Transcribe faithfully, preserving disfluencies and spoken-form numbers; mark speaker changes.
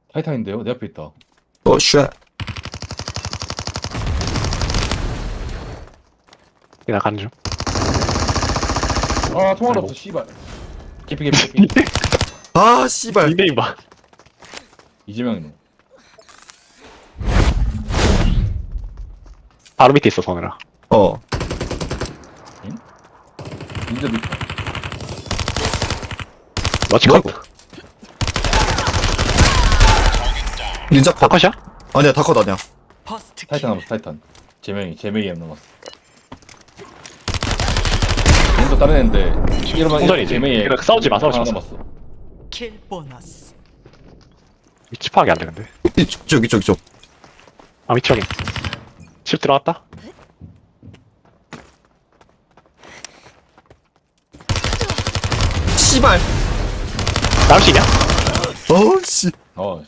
Speaker 1: 타이탄인데요? 내 앞에 있다.
Speaker 2: 어, 쉣.
Speaker 3: 내가 가는 중.
Speaker 1: 아 통화로
Speaker 3: 아이고.
Speaker 1: 없어 씨발. 개피 개피 개피.
Speaker 2: 아, 씨발.
Speaker 3: 닉네임 봐.
Speaker 1: 이재명이네.
Speaker 3: 바로 밑에 있어, 서늘아.
Speaker 2: 어.
Speaker 1: 인제도 있다.
Speaker 3: 러치
Speaker 2: 뭐?
Speaker 3: 컷.
Speaker 2: 닌자 컷.
Speaker 3: 다컷이야?
Speaker 2: 아니야, 다 컷 아니야.
Speaker 1: 타이탄 남았어 타이탄. 제명이 제명이 엠 남았어. 인도 다른 애인데 이러면
Speaker 3: 공전이지.
Speaker 1: 제명이
Speaker 3: 그러니까 싸우지 마, 싸우지
Speaker 1: 하나
Speaker 3: 마.
Speaker 1: 남았어.
Speaker 4: 킬 보너스.
Speaker 3: 위치 파악이 안 돼, 근데.
Speaker 2: 이쪽, 이쪽, 이쪽, 이쪽.
Speaker 3: 아, 위치 확인. 집 들어갔다?
Speaker 2: 씨발.
Speaker 3: 남식이야?
Speaker 2: 어, 씨.
Speaker 1: 어